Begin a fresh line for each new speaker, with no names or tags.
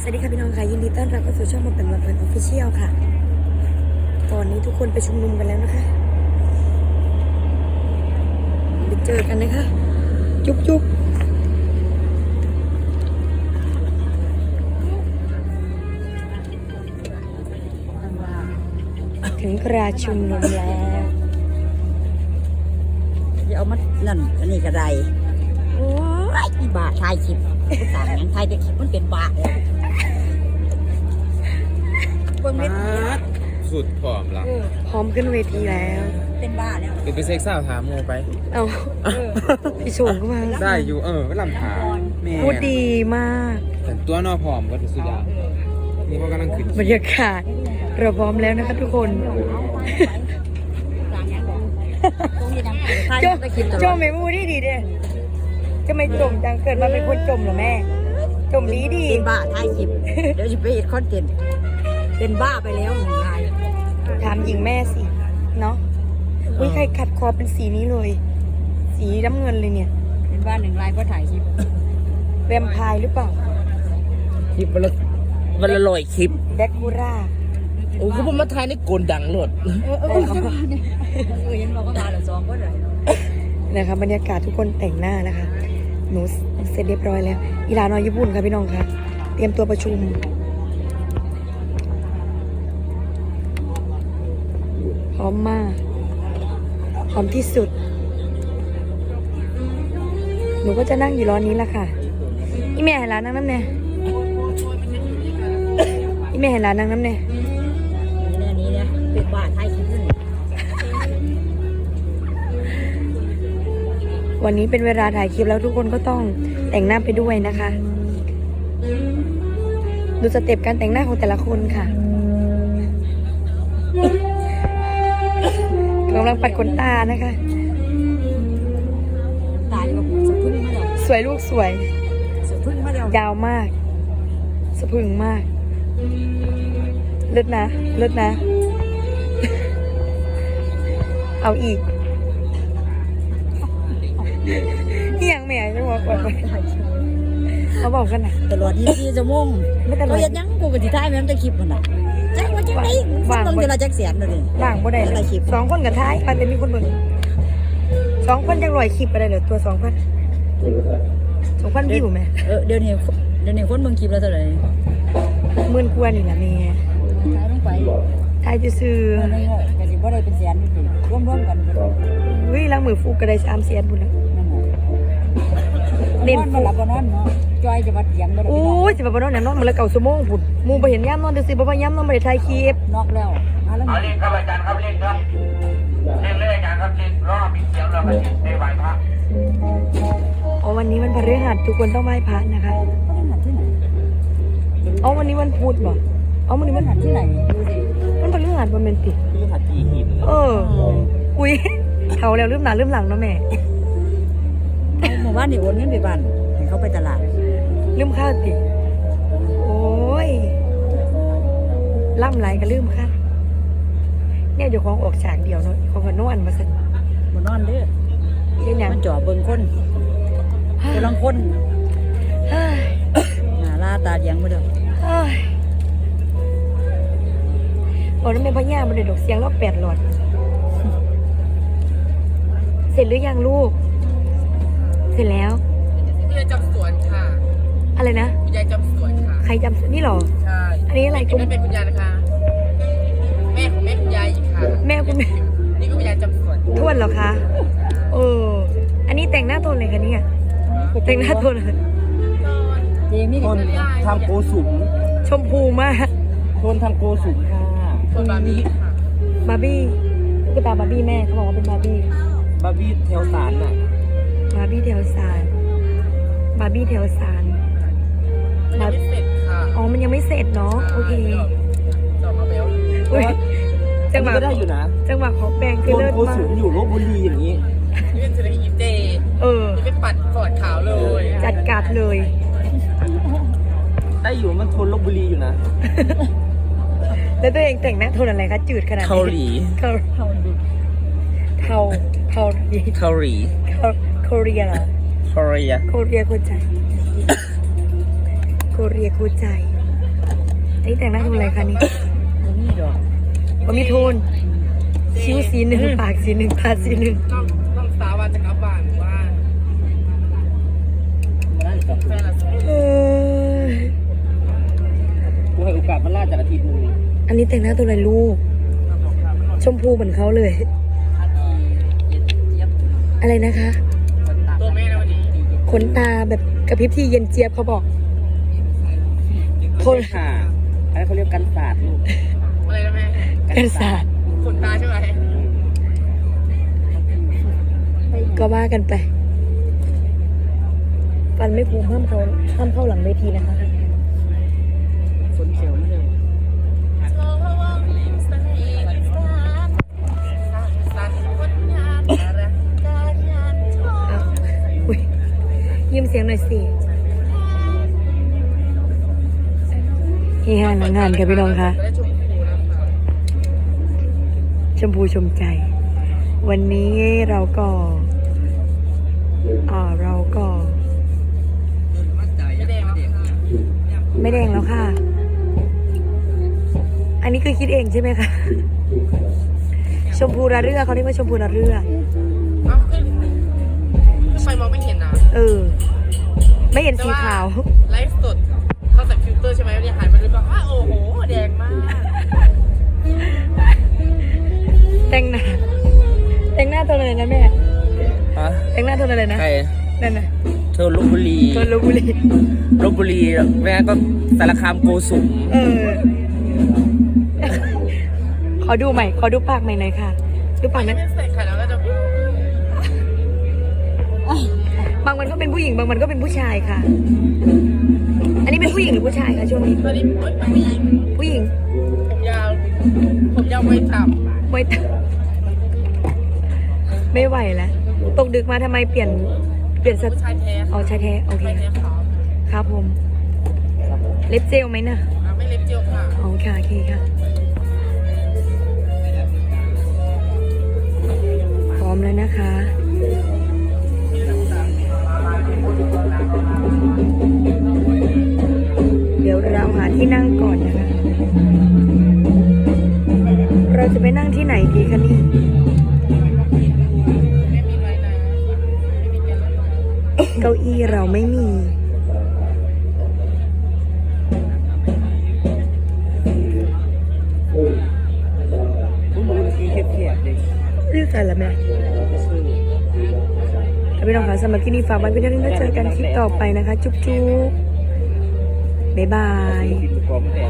สวัสดีค่ะพี่น้องค่ะยินดีต้อนรับเข้าสู่ช่องมันเป็นวันเปิดออฟฟิเชียลค่ะตอนนี้ทุกคนไปชุมนุมกันแล้วนะคะไปเจอกันนะคะจุ๊บจุ๊บถึงกราชุมนุมแล้ว
อย่าเอามานั่นอันนี้ก็ได้โอ้ยอีบาทายคลิปผู้ต่างยังทายแต่คลิปมันเป็นบาทเลยเบิ่งเวที
สุดผอมละ
พร้อมขึ้นเวทีแล้ว
เป็นบ้าแล้ว
เป็นไปเซ็กซ์สาวถามโมไป
เอาพี่โฉงก็มา
ได้อยู่ก็ลำถามแม่
พูดดีมาก
แต่ตัวนอผอมก็ถือสุดยอดนี่เขากำลังขึ้น
บรรยากาศเราพร้อมแล้วนะคะทุกคนโจมไม่พูดที่ดีเด้จะไม่จมจังเกิดมาเป็นคนจมเหรอแม่จมดีดี
เป็นบ้าทายคลิปเดี๋ยวจะไปเอ็ดคอนเทนต์เป็นบ้าไปแล้วหนึ่งราย
ถามหญิงแม่สิเนาะอุ้ยใครขัดคอเป็นสีนี้เลย สีน้ำเงินเลยเนี่ย
เป็นบ้าหนึ่งรายเพราะถ่ายคลิป
แวมไพร์หรือเปล่า
คลิปวันละร้อยคลิป
แดกคูร่า
โอ้คือผมมาถ่ายในโกนดังโลด
ยังบอกว่ามาหรือซองก็เลย
นะคะบรรยากาศทุกคนแต่งหน้านะคะหนูเสร็จเรียบร้อยแล้วอีลานอยญี่ปุ่นค่ะพี่น้องค่ะเตรียมตัวประชุมพร้อมมากพร้อมที่สุดหนูก็จะนั่งอยู่ร้อนนี้แหละค่ะอีแม่เห็นร้านนั่งน้ำเนี่ยอีแม่เห็นร้านนั่งน้ำเนี่ย
นี่เนี่ยเป็นบ้าทายคลิปนี่
วันนี้เป็นเวลาถ่ายคลิปแล้วทุกคนก็ต้องแต่งหน้าไปด้วยนะคะดูสเต็ปการแต่งหน้าของแต่ละคนค่ะกำลังปัดขนตานะคะ
ตายแบบสะพึ่งมาแล้ว
สวยลูกสวย
สะพึ่งมาแล้ว
ยาวมากสะพรึงมากเลิศนะเลิศนะ เอาอีกนี่ยังแม่จะบอกก่อนเขาบอกกันนะ
ตลอด24 ชั่วโมง
ไม่ตลอด
เขาเฮ็ดหยังกูก็สิถ่ายแม่นแต่คลิปมันน่ะจังว่าจังได๋มันต้องเดือนละจักแสนเลย
ว่างบ่ได้เลยสองคนกับท้ายมันจะมีคนเบิ่ง2,000จัง100คลิปอะไรเหรอตัว2,000วิวไหม
เดี๋ยวนี้คนเบิ่งคลิปแล้วเท่าไหร่
หมื่นกว่านี่แหละแม่
ถ่ายลงไป
ท้ายจะซื้อ
ก็สิบ่ได้เป็นแสนนี่รวมๆกันนั่นน่ะ
วิล้างมือฟูกก็ได้3 แสนบุญแล้ว เล่น
บ่หลับบ่นอนเนาะจอยจะมาเถียงบ่ได้
โอ้ยสิบ่บ่นอนแน่นอนมื้อละ9 ชั่วโมงพุ่นหมู่บ่เห็นยามนอนซื่อๆบ่ว่ายามนอนบ่ได้ถ่ายคลิป
นอกแล้วแล้ว
เอาเล่นครับอาจารย์ครับเล่นครับเล่นเลยอาจารย์ครับเล่นรอบมีเสียงเราไปในไหวพระ
อ๋อวันนี้วันพฤหัสทุกคนต้องไหว้พระนะคะ
ก็ได้หัดที่ไหน
อ๋อวันนี้วันพุธบ่อ๋อวันนี้
มั
วัน น
หัดที่ไหนดูสิ
วันพฤหัสวันเป็นติ
คือหัดตีหิน
อุ้ยเท่าแล้วลืมหน้าลืมหลังเนาะแม่
หมู่บ้านนี่โอนเงินไปบ้านให้เขาไปตลาด
ลืมข้าวติโอ้ยล่ำไหลก็ลืมค่ะเนี่ยเดี๋ยวของออกฉากเดียวเนาะของกันนอนมาสั่น
บ่นอนเด้อ
เรื่องหยัง
มันจ่อเบิ่งคนกำลังคน
เฮ้ย
หน้าลาตาเดียงบ่เด้อ
เฮ้ยบอกนั่นเป็นพ่อย่ามันเลยดอกเสียงรอบ8 หลอด เสร็จหรือยังลูก เสร็จแล้ว
ยายจำสวนค่ะ
อะไรนะ
ยายจำสวนค่ะ
ใครจำนี่หรอ
ใช่
อันนี้อะไรกุม
นั่นเป็นคุณยายนะคะ แม่ของแม่คุณยายอีกค่ะ
แม่คุณแม่
นี่ก็คุณยายจำสวน
ทวดเหรอคะอันนี้แต่งหน้าโทนเลยคะเนี่ยแต่งหน้าโทนอะไร
เจมี่
คนทำโกสุม
ชมพูมาก
คนทำโกสุมค่ะคนบาร์บี้ค่ะ
บาร์บี้ตุ๊กตาบาร์บี้แม่เขาบอกว่าเป็นบาร์บี้
บาร์บี้แถวสารน่ะ
บาร์บี้แถวสารบาร์บี้แถวสาร
ยังไม่เสร็จค่ะ
อ๋อมันยังไม่เสร็จเนาะโอเค
ต่อมาแล้ว
อุ๊ยจังหวะ
ก็ได้อยู่นะ
จังหวะของแปลง
ค
คือน เลิศ
โก
มา
สุ
ก
มอยู่ลบบุรีอย่างนี้
นี่เป็นเศรษฐกิจเจ
นี่ไปปัดฟอร์ดขาวเลย
จัดการเลย
ได้อยู่มันทนลบบุรีอยู่นะ
แล้วตัวเองแต่งหน้าโทนอะไรคะจืดขนาดนี้
เกาหลี
เกาเทาเทาเกาหลี
เกาหลี
เกาหลีเหรอ
เกาหลี
โคเรียโคใจโคเรียโคใจอันนี้แต่งหน้าทำอะไรคะนี่
บ่มีดอก
ว่ามีโทนคิ้วสีหนึ่งปากสีหนึ่งตาสีหนึ่ง
ต้องสาววันจะกลับบ้านว่า
บ่ได้ดอก
แฟนละ
เออ
กูให้โอกาสมันล่าจากอาทิตย์นึง
อันนี้แต่งหน้าตัวอะไรลูก ชมพูเหมือนเขาเลย อะไรนะคะ
ตัวแม่นะวันนี้
ขนตาแบบกระพริบที่เย็นเจี๊ยบเขาบอกโทน
ค่ะอะไรเขาเรียกกันศาสตร์ลูกอะไรนะแม่
กันศาสตร์
ขนตาใช่ไหม
ก็ว่ากันไป ฟันไม่พูห้ามเข้าหลังเวทีนะคะ
ขนเขียวไม่เลย
เอาอุ๊ยยิ้มเสียงหน่อยสิเฮฮาหนังงานค่ะพี่น้องคะชมพูชมใจ วันนี้เราก็ไม่แดงแล้วค่ะ อันนี้คือคิดเองใช่ไหมคะ ชมพูระเรือเขาเรียกว่าชมพูระเรือ
ไฟมองไม่เห็นนะ
เออ ไม่เห็นสีขาว
ไลฟ์สดเขาใส่ฟิลเตอร์ใช่ไหมเนี่ยหันมาดูก็ว่าโอ้โหแดงมาก
แต่งหน้าตัวอะไรนะแม่
ฮะ
แต่งหน้าตัวอะไรนะ
ใคร
นั่นน่ะ
เธอลพบุรี
ตัวลพบุรี
ลพบุรีแม่ก็สารคามโกสุม
เออ ขอดูใหม่ ขอดูปากใหม่หน่อยค่ะ ดูปากนั้น
ใส่ไข่แล้วก็จะ
บางวันก็เป็นผู้หญิง บางวันก็เป็นผู้ชายค่ะ อันนี้เป็นผู้หญิงหรือผู้ชายคะช่วงนี้
ตอนนี้ผู้หญิง
ผู้หญิง
ผมยาวไม่ต่ำ
ไม่ตไม่ไหวแล้ว ตกดึกมาทำไมเปลี่ยนส
ผู้ชายแท้
อ๋อชายแท้ โอเค
ชายแท้ขาว
ครับผม เล็บเจลไหมนะ
ไม่เล็บเจียวค่ะ
อ๋อค่ะโอเคค่ะ พร้อมแล้วนะคะ เดี๋ยวเราหาที่นั่งก่อนนะคะ เราจะไปนั่งที่ไหนดีคะนี่
ไม่มีไว้นะไม่มีเตียง
เก้าอี้เราไม่มี
ผมดูทีเทียบๆเลย
เรียกใส่ละแม่ถ้าพี่น้องคะสำหรับที่นี่ฝากไว้เพียงเท่านี้แล้วเจอกันคลิปต่อไปนะคะ จุ๊บๆบ๊ายบาย
กินกรอบแตก